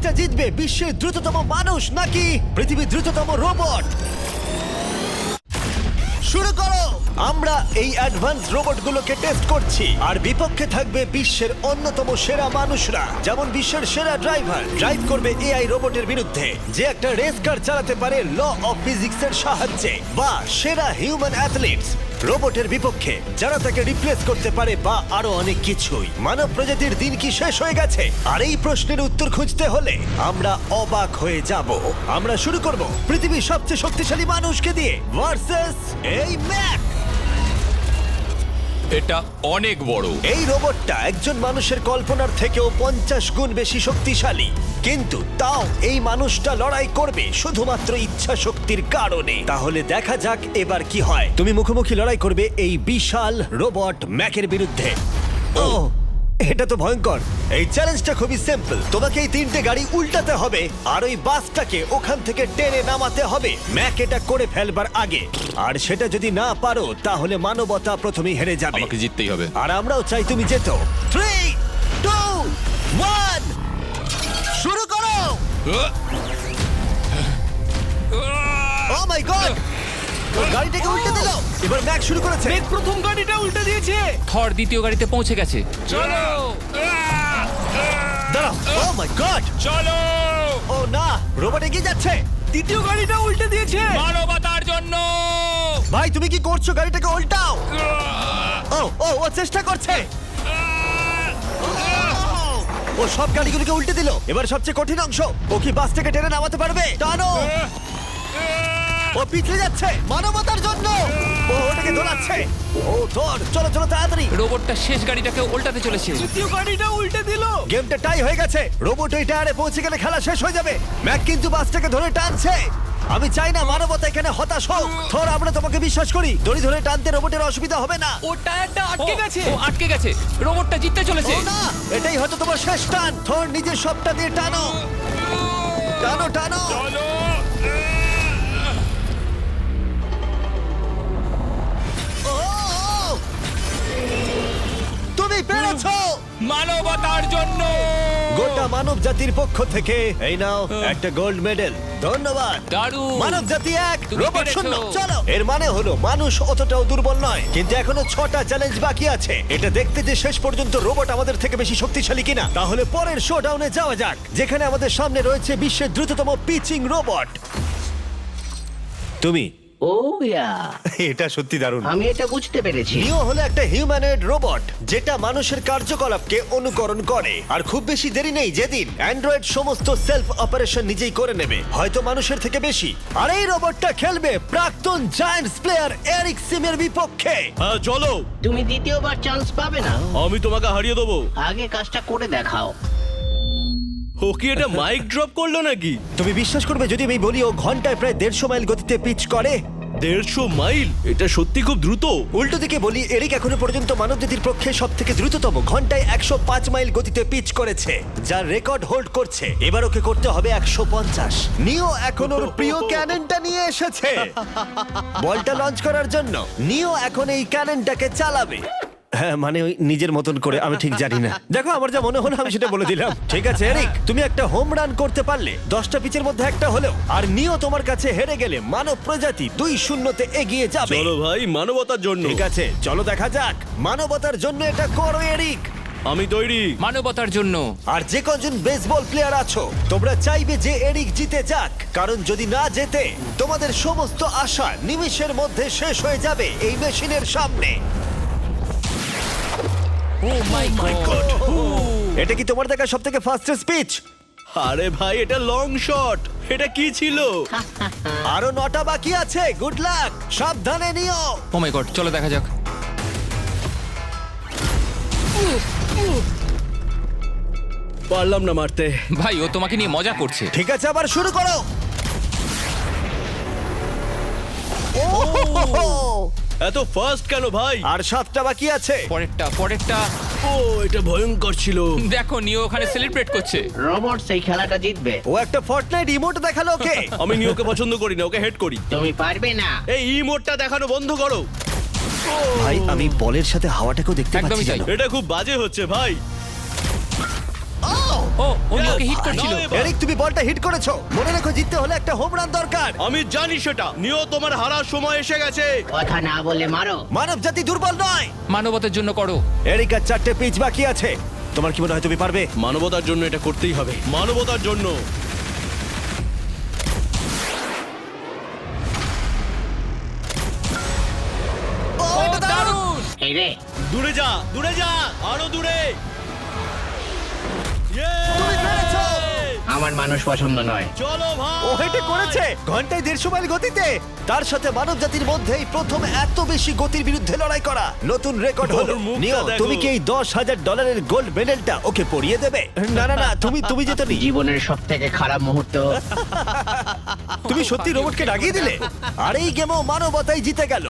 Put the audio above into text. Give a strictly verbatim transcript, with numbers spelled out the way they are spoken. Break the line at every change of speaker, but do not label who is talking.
রেসটা জিতবে বিশ্বের দ্রুততম মানুষ নাকি পৃথিবীর দ্রুততম রোবট? শুরু করো। আমরা এই অ্যাডভান্স রোবটগুলোকে টেস্ট করছি আর বিপক্ষে থাকবে বিশ্বের অন্যতম সেরা মানুষরা, যেমন বিশ্বের সেরা ড্রাইভার ড্রাইভ করবে এআই রোবটের বিরুদ্ধে যে একটা রেস কার চালাতে পারে ল অফ ফিজিক্সের সাহায্যে, বা সেরা হিউম্যান অ্যাথলিটস রোবটের বিপক্ষে যারা তাকে রিপ্লেস করতে পারে, বা আরো অনেক কিছুই। মানব প্রজাতির দিন কি শেষ হয়ে গেছে? আর এই প্রশ্নের উত্তর খুঁজতে হলে আমরা অবাক হয়ে যাব। আমরা শুরু করব পৃথিবীর সবচেয়ে শক্তিশালী মানুষকে দিয়ে ভার্সেস এই ম্যাক।
এটা অনেক বড়।
এই রোবটটা একজন মানুষের কল্পনার থেকেও পঞ্চাশ গুণ বেশি শক্তিশালী, কিন্তু তাও এই মানুষটা লড়াই করবে শুধুমাত্র ইচ্ছা শক্তির কারণে। তাহলে দেখা যাক এবার কি হয়। তুমি মুখোমুখি লড়াই করবে এই বিশাল রোবট ম্যাকের বিরুদ্ধে। ও, এটা তো ভয়ঙ্কর। এই চ্যালেঞ্জটা খুবই সিম্পল। তোমাকে এই তিনটে গাড়ি উল্টাতে হবে আর ওই বাসটাকে ওখান থেকে টেনে নামাতে হবে ম্যাক এটা করে ফেলবার আগে। আর সেটা যদি না পারো তাহলে মানবতা প্রথমেই হেরে যাবে।
আমাকে জিততেই হবে।
আর আমরাও চাই তুমি যেতো। থ্রি টু ওয়ান শুরু করো। ও মাই গড, ও গাড়িটাকে উল্টে দিল। এবার ম্যাক শুরু করেছে।
মেঘ প্রথম গাড়িটা উল্টে দিয়েছে।
থর দ্বিতীয় গাড়িতে পৌঁছে গেছে।
চলো
দাঁড়াও। ও মাই গড,
চলো।
ও না, রোবট এগিয়ে যাচ্ছে।
দ্বিতীয় গাড়িটা উল্টে দিয়েছে।
মানবতার জন্য।
ভাই তুমি কি করছো? গাড়িটাকে উল্টাও। ও ও ও চেষ্টা করছে। ও সব গাড়িগুলোকে উল্টে দিল। এবার সবচেয়ে কঠিন অংশ, ও কি বাসটাকে টেনে নামাতে পারবে? টানো। ও পিছলে যাচ্ছে মানবতার জন্য। ও ওটাকে দোলাচ্ছে। ও ধর, চলো চলো তাড়াতাড়ি।
রোবটটা শেষ গাড়িটাকে উল্টাতে চলেছে।
তৃতীয় গাড়িটা উল্টে দিল।
গেমটা টাই হয়ে গেছে। রোবট ওই টায়ারে পৌঁছে গেলে খেলা শেষ হয়ে যাবে। ম্যাক কিন্তু বাসটাকে ধরে টানছে। আমি চাই না মানবতা এখানে হতাশ হোক। থর, আমরা তোমাকে বিশ্বাস করি। দড়ি ধরে টানতে রোবটের অসুবিধা হবে না।
ও টায়ারটা আটকে
ও,
গেছে।
ও আটকে গেছে। রোবটটা জিততে চলেছে।
ও না, এটাই হয়তো তোমার শেষ টান। থর, নিজের সবটা দিয়ে টানো টানো টানো।
চলো।
ও, ও! তুমি পেরেছো।
মানবতার জন্য।
গোটা মানব জাতির পক্ষ থেকে এই নাও একটা গোল্ড মেডেল। ধন্যবাদ।
দারুণ।
মানব জাতি এক,
তুমি
রোবট
পেরেছো।
শূন্য। চলো। এর মানে হলো মানুষ অতটাও দুর্বল নয়, কিন্তু এখনো ছটা চ্যালেঞ্জ বাকি আছে। এটা দেখতে যে শেষ পর্যন্ত রোবট আমাদের থেকে বেশি শক্তিশালী কিনা। তাহলে পরের শোডাউনে যাওয়া যাক, যেখানে আমাদের সামনে রয়েছে বিশ্বের দ্রুততম পিচিং রোবট। তুমি
ও ইয়া,
এটা সত্যি দারুণ।
আমি এটা বুঝতে পেরেছি।
নিও হলো একটা হিউম্যানয়েড রোবট যেটা মানুষের কার্যকলাপকে অনুকরণ করে। আর খুব বেশি দেরি নেই যেদিন অ্যান্ড্রয়েড সমস্ত সেলফ অপারেশন নিজেই করে নেবে, হয়তো মানুষের থেকে বেশি। আর এই রোবটটা খেলবে প্রাক্তন জায়ান্টস প্লেয়ার এরিক সিমের বিপক্ষে।
হ্যাঁ চলো,
তুমি দ্বিতীয়বার চান্স পাবে না।
আমি তোমাকে হারিয়ে দেবো।
আগে কাজটা করে দেখাও।
ও কি এটা মাইক ড্রপ করলো নাকি?
তুমি বিশ্বাস করবে যদি আমি বলি ও ঘন্টায় প্রায় দেড়শো মাইল গতিতে পিচ করে?
দেড়শো মাইল? এটা সত্যি খুব দ্রুত।
উল্টো দিকে বলি, এরিক এখনো পর্যন্ত মানবজাতির পক্ষে সব থেকে দ্রুততম ঘন্টায় একশো পাঁচ মাইল গতিতে পিচ করেছে, যার রেকর্ড হোল্ড করছে। এবার ওকে করতে হবে একশো পঞ্চাশ। নিও এখন ওর প্রিয় ক্যাননটা নিয়ে এসেছে বলটা লঞ্চ করার জন্য। নিও এখন এই ক্যাননটাকে চালাবে। হ্যাঁ, মানে ওই নিজের মতন করে, আমি ঠিক জানি না। দেখো, আমার যা মনে হলো আমি সেটা বলে দিলাম। ঠিক আছে এরিক, তুমি একটা হোম রান করতে পারলে দশটা পিচের মধ্যে একটা হলেও, আর নিও তোমার কাছে হেরে গেলে মানব প্রজাতি দুই শূন্যতে এগিয়ে যাবে।
চলো ভাই, মানবতার জন্য।
ঠিক আছে, চলো দেখা যাক। মানবতার জন্য এটা করো এরিক।
আমি তৈরি।
মানবতার জন্য।
আর যে কজন বেসবল প্লেয়ার আছো, তোমরা চাইবে যে এরিক জিতে যাক, কারণ যদি না জেতে তোমাদের সমস্ত আশা নিমিষের মধ্যে শেষ হয়ে যাবে এই মেশিনের সামনে।
Oh my God.
এটা কি তোমার দেখা সব থেকে ফাস্টেস্ট পিচ?
আরে ভাই, এটা লং শট। এটা কি ছিল?
আরো নটা বাকি আছে। গুড লাক, সাবধানে নিও।
ও মাই গড, চলো দেখা যাক।
পারলাম না মারতে।
ভাই, ও তোমাকে নিয়ে মজা করছে।
ঠিক আছে, আবার শুরু করো। ও,
এত ফাস্ট কেন ভাই?
আর সাতটা বাকি আছে।
পরেরটা পরেরটা।
ও, এটা ভয়ঙ্কর ছিল।
দেখো, নিও ওখানে সেলিব্রেট করছে।
রোবট সেই খেলাটা জিতবে।
ও একটা ফর্টনাইট ইমোট দেখালো ওকে।
আমি নিয়োকে পছন্দ করি না, ওকে হেড করি।
তুমি পারবে না।
এই ইমোটটা দেখানো বন্ধ করো।
ভাই, আমি বলের সাথে হাওয়াটাকেও দেখতে
একদমই
পাচ্ছি
তাই।
জানো?
এটা খুব বাজে হচ্ছে ভাই।
ও
ও ও নিওকে হিট করছিল।
নাও এবার।
এরিক তুমি বলটা হিট করেছো, মনে রেখো জিততে হলে একটা হোম রান দরকার।
আমি জানি সেটা। নিও, তোমার হারার সময় এসে গেছে।
কথা না বলে মারো।
মানব জাতি দুর্বল নয়।
মানবতার জন্য করো।
এরিক আর চারটে পিচ বাকি আছে, তোমার কি মনে হয় তুমি পারবে?
মানবতার জন্য এটা করতেই হবে, মানবতার জন্য।
ও,
ও
এটা দারুণ!
দারুণ!
এই রে,
দূরে যা, দূরে যা, আরো দূরে। Yay!
তুমি পেরেছো!
আমার মানুষ পছন্দ নয়।
চলো ভাই।
ও হেটে করেছে ঘন্টায় দেড়শো মাইল গতিতে। তার সাথে মানব জাতির মধ্যেই প্রথম এত বেশি গতির বিরুদ্ধে লড়াই করা নতুন রেকর্ড হলো।
ওর মুখটা
নিও,
দেখো।
তুমি কি এই দশ হাজার ডলারের গোল্ড মেডেলটা ওকে পরিয়ে দেবে? না না না, তুমি তুমি যেতে নি।
জীবনের সব থেকে খারাপ মুহূর্ত।
তুমি সত্যি রোবটকে ডাকিয়ে দিলে, আর এই গেমও মানবতাই জিতে গেল।